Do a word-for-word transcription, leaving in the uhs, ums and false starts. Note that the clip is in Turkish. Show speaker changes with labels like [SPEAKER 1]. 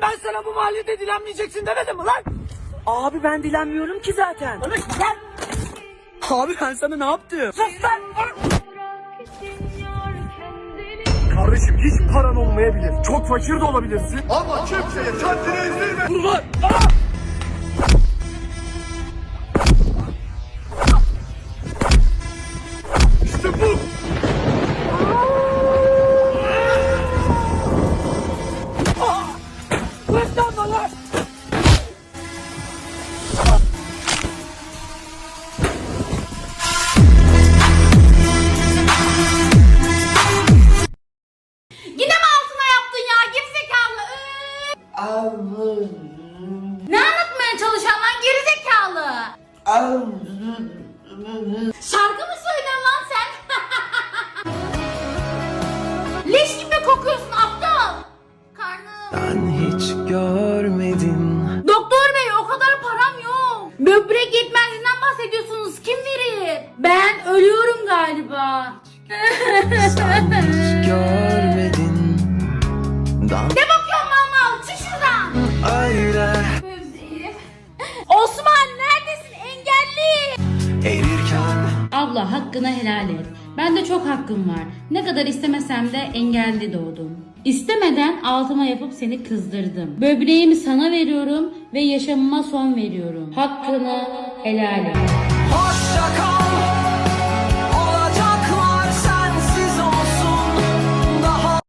[SPEAKER 1] ben sana bu mahallede dilenmeyeceksin demedim mi lan?
[SPEAKER 2] Abi ben dilenmiyorum ki zaten.
[SPEAKER 1] Öyle lan.
[SPEAKER 2] Abi ben sana ne yaptım?
[SPEAKER 1] Sus lan.
[SPEAKER 3] Kardeşim hiç paran olmayabilir. Çok fakir de olabilirsin. Ama kimseye kendini ezdirme.
[SPEAKER 1] Dur lan.
[SPEAKER 3] İşte bu.
[SPEAKER 1] Kıvırtlanma lan.
[SPEAKER 4] Yine mi altına yaptın ya gerizekalı? Iıı. Ne anlatmaya çalışan lan gerizekalı? Şarkı mı söylüyorsun lan sen? Leş gibi kokuyorsun aptal. Karnım.
[SPEAKER 5] Ben hiç görmedim.
[SPEAKER 4] Doktor bey o kadar param yok. Böbrek yetmezliğinden bahsediyorsunuz. Kim verir? Ben ölüyorum galiba.
[SPEAKER 5] Sen hiç görmedin. Dan
[SPEAKER 4] Ne bakıyorsun mal mal? Çık şuradan.
[SPEAKER 5] öyle
[SPEAKER 4] Böbreğim. Osman neredesin engelli?
[SPEAKER 5] erirken
[SPEAKER 6] Abla hakkını helal et. Bende çok hakkım var. Ne kadar istemesem de engelli doğdum. İstemeden altıma yapıp seni kızdırdım. Böbreğimi sana veriyorum ve yaşamıma son veriyorum. Hakkını helal et.
[SPEAKER 5] hoşça kal.